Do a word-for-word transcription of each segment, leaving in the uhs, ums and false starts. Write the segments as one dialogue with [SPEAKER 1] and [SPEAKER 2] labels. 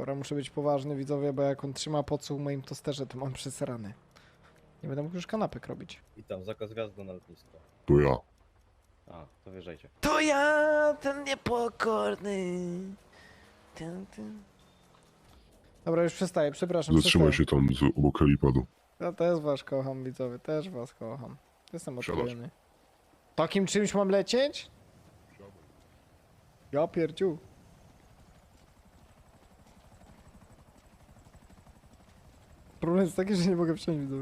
[SPEAKER 1] Dobra, muszę być poważny, widzowie, bo jak on trzyma podsłuch w moim tosterze, to mam przesrany. Nie będę mógł już kanapek robić.
[SPEAKER 2] I tam zakaz wjazdu na lotnisko.
[SPEAKER 3] To ja.
[SPEAKER 2] A, to wjeżdżajcie.
[SPEAKER 1] To ja, ten niepokorny. Ten, ten. Dobra, już przestaję, przepraszam.
[SPEAKER 3] Zatrzymaj
[SPEAKER 1] przestaję.
[SPEAKER 3] się tam z obok helipadu.
[SPEAKER 1] Ja też was kocham, widzowie, też was kocham. Jestem
[SPEAKER 3] Wsiadasz.
[SPEAKER 1] odklejony. Takim czymś mam lecieć? Ja pierdziu. Problem jest taki, że nie mogę wsiąść, widzowie.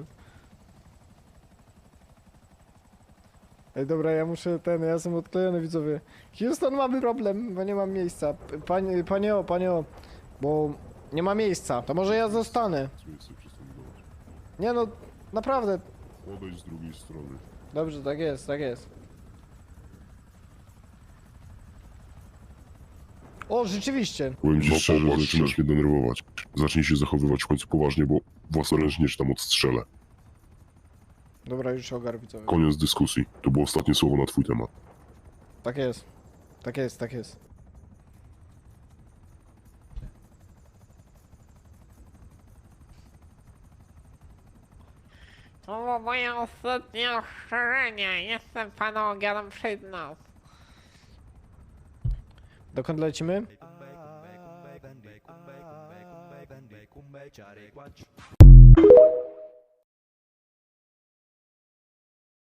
[SPEAKER 1] Ej, dobra, ja muszę ten, ja jestem odklejony, widzowie. Houston, mamy problem, bo nie mam miejsca. P- Panie, panie o, panie o, bo nie ma miejsca. To może ja zostanę.
[SPEAKER 3] Miejsce przestępować.
[SPEAKER 1] Nie no, naprawdę.
[SPEAKER 3] Odejdź z drugiej strony.
[SPEAKER 1] Dobrze, tak jest, tak jest. O, rzeczywiście.
[SPEAKER 3] Powiem ci
[SPEAKER 4] No,
[SPEAKER 3] szczerze,
[SPEAKER 4] popatrz,
[SPEAKER 3] zaczynasz mnie denerwować. Zacznij się zachowywać w końcu poważnie, bo własnoręcznie cię tam odstrzelę.
[SPEAKER 1] Dobra, już ogar, widzowie.
[SPEAKER 3] Koniec dyskusji. To było ostatnie słowo na twój temat.
[SPEAKER 1] Tak jest. Tak jest, tak jest.
[SPEAKER 5] To było moje ostatnie ostrzeżenie. Jestem panu Ogiarem przed nas.
[SPEAKER 1] Dokąd lecimy?